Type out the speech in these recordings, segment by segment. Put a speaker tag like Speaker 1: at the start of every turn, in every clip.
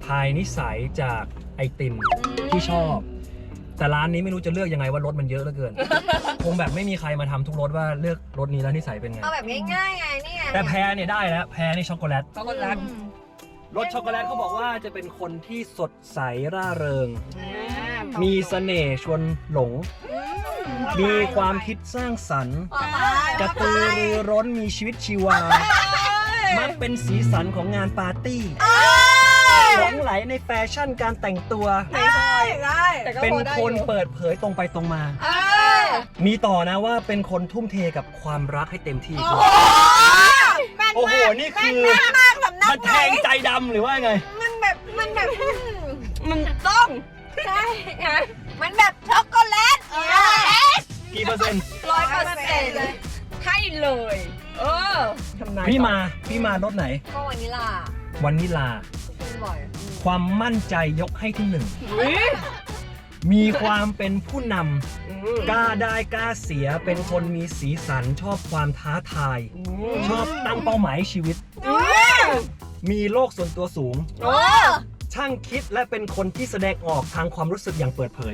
Speaker 1: ทายนิสัยจากไอติมที่ชอบแต่ร้านนี้ไม่รู้จะเลือกยังไงว่ารสมันเยอะเหลือเกิน คงแบบไม่มีใครมาทำทุกรสว่าเลือกรสนี้แล้วนิสัยเป็นไง
Speaker 2: เอาแบบง่ายๆไงนี่ไง
Speaker 1: แต่แพรเนี่ยได้แล้วแพรนี่ช็อกโกแลต
Speaker 3: ช็อกโกแลต
Speaker 1: รสช็อกโกแลตเขาบอกว่าจะเป็นคนที่สดใสร่าเริง มีเสน่ห์ชวนหลง มีความคิดสร้างสรรค์กระตือรือร้นมีชีวิตชีวา มักเป็นสีสันของงานปาร์ตี้หลงไหลในแฟชั่นการแต่งตัว เป็นคนเปิดเผยตรงไปตรงมา มีต่อนะว่าเป็นคนทุ่มเทกับความรักให้เต็มที่ โอ้โห นี่คือมันแทงใจดำหรือว่าไง
Speaker 2: มันแบบ
Speaker 3: มันต้อง
Speaker 2: ใช่ไงมันแบบช็อกโกแลต
Speaker 1: กี่เปอร์เซ็นต์
Speaker 2: 100%เลย
Speaker 3: ให้เลย ทำนาย
Speaker 1: พี่มารถไหน
Speaker 2: ก็วานิลลาว
Speaker 1: านิลา
Speaker 2: กินบ่อย
Speaker 1: ความมั่นใจยกให้ที่หนึ่ง
Speaker 3: อุ๊ย
Speaker 1: มีความเป็นผู้นำกล้าได้กล้าเสียเป็นคนมีสีสันชอบความท้าทาย ชอบตั้งเป้าหมายให้ชีวิต มีโลกส่วนตัวสูง ช่างคิดและเป็นคนที่แสดงออกทางความรู้สึกอย่างเปิดเผย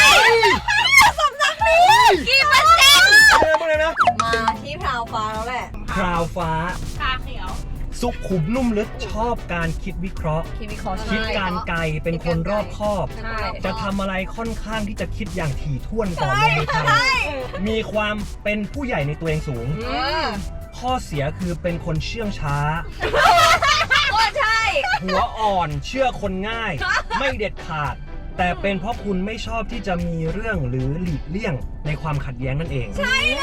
Speaker 2: กี่เปอร์เซ็นต์
Speaker 1: เริ่มเลยนะ
Speaker 2: มาที่พราวฟ้าแล้วแหละ
Speaker 1: คราวฟ้า
Speaker 3: ชาเขียว
Speaker 1: สุขุมนุ่มลึกชอบการคิดวิเคราะห์
Speaker 3: คิมิคอส
Speaker 1: คิดการไกลเป็นคนรอบคอบ
Speaker 3: ใช่
Speaker 1: จะทำอะไรค่อนข้างที่จะคิดอย่างถี่ถ้วนก่อนลงมือทำมีความเป็นผู้ใหญ่ในตัวเองสูง ข้อเสียคือเป็นคนเชื่องช้า
Speaker 2: ก็ใช่
Speaker 1: หัวอ่อนเชื่อคนง่าย ไม่เด็ดขาด แต่เป็นเพราะคุณไม่ชอบที่จะมีเรื่องหรือหลีกเลี่ยงในความขัดแย้งนั่นเอง
Speaker 2: ใช่เลย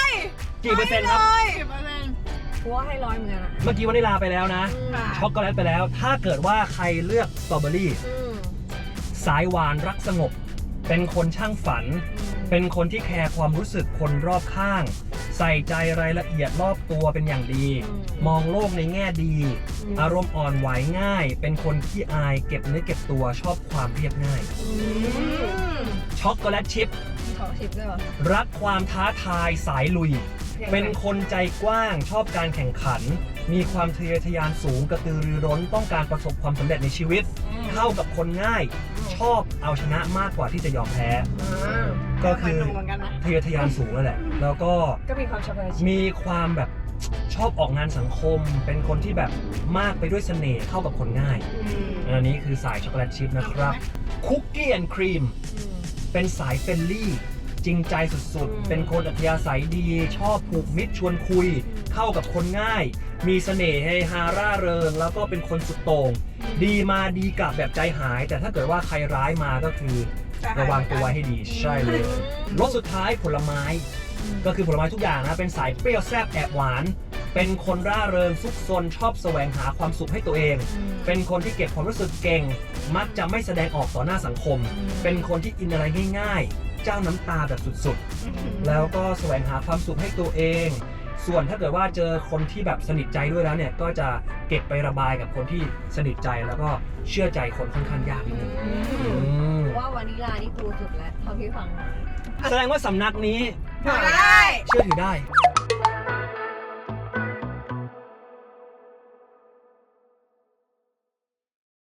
Speaker 1: กี่เปอร์เซ็นต์ครับ
Speaker 2: กูว่าให้100เหมือนกันอะ
Speaker 1: เมื่อกี้วานิลาไปแล้วนะ ช็อกโกแลตไปแล้ว ถ้าเกิดว่าใครเลือกสตรอเบอรี่ สายหวานรักสงบ เป็นคนช่างฝัน เป็นคนที่แคร์ความรู้สึกคนรอบข้าง ใส่ใจรายละเอียดรอบตัวเป็นอย่างดี มองโลกในแง่ดี อารมณ์อ่อนไหวง่าย เป็นคนขี้อายเก็บเนื้อเก็บตัวชอบความเรียบง่าย ช็อกโกแลตชิพ
Speaker 2: ขอชิปด้วยเหรอ
Speaker 1: รักความท้าทายสายลุย เป็นคนใจกว้างชอบการแข่งขัน มีความทะเยอทะยานสูงกระตือรือร้นต้องการประสบความสำเร็จในชีวิต เข้ากับคนง่าย ชอบเอาชนะมากกว่าที่จะยอมแพ้ ก็คือทะเยอทะยานสูงนั่นแหละ แล้วก็
Speaker 3: ก็มีความช็อกโกแลต
Speaker 1: มีความแบบชอบออกงานสังคม เป็นคนที่แบบมากไปด้วยเสน่ห์เข้ากับคนง่าย อันนี้คือสายช็อกโกแลตชิพนะครับคุกกี้แอนด์ครีมเป็นสายเฟรนลี่ จริงใจสุดๆ เป็นคนอัธยาศัยดี ชอบผูกมิตรชวนคุย เข้ากับคนง่าย มีเสน่ห์เฮฮาร่าเริง แล้วก็เป็นคนสุดโต่งดีมาดีกลับแบบใจหาย แต่ถ้าเกิดว่าใครร้ายมาก็คือระวังตัวไว้ให้ดีใช่เลยรสสุดท้ายผลไม้ ก็คือผลไม้ทุกอย่างนะ เป็นสายเปรี้ยวแซ่บแอบหวาน เป็นคนร่าเริงซุกซนชอบแสวงหาความสุขให้ตัวเอง เป็นคนที่เก็บความรู้สึกเก่ง มักจะไม่แสดงออกต่อหน้าสังคม เป็นคนที่อินอะไรง่ายๆ เจ้าน้ำตาแบบสุดๆ แล้วก็แสวงหาความสุขให้ตัวเอง ส่วนถ้าเกิดว่าเจอคนที่แบบสนิทใจด้วยแล้วเนี่ย ก็จะเก็บไประบายกับคนที่สนิทใจแล้วก็เชื่อใจคนค่อนข้างยากนิดนึง
Speaker 2: ว่าวานิลลานี่กูสุดแล้วเท่าที่ฟังมา
Speaker 1: แสดงว่าสำนักนี้
Speaker 2: ได้
Speaker 1: เชื่อถือได้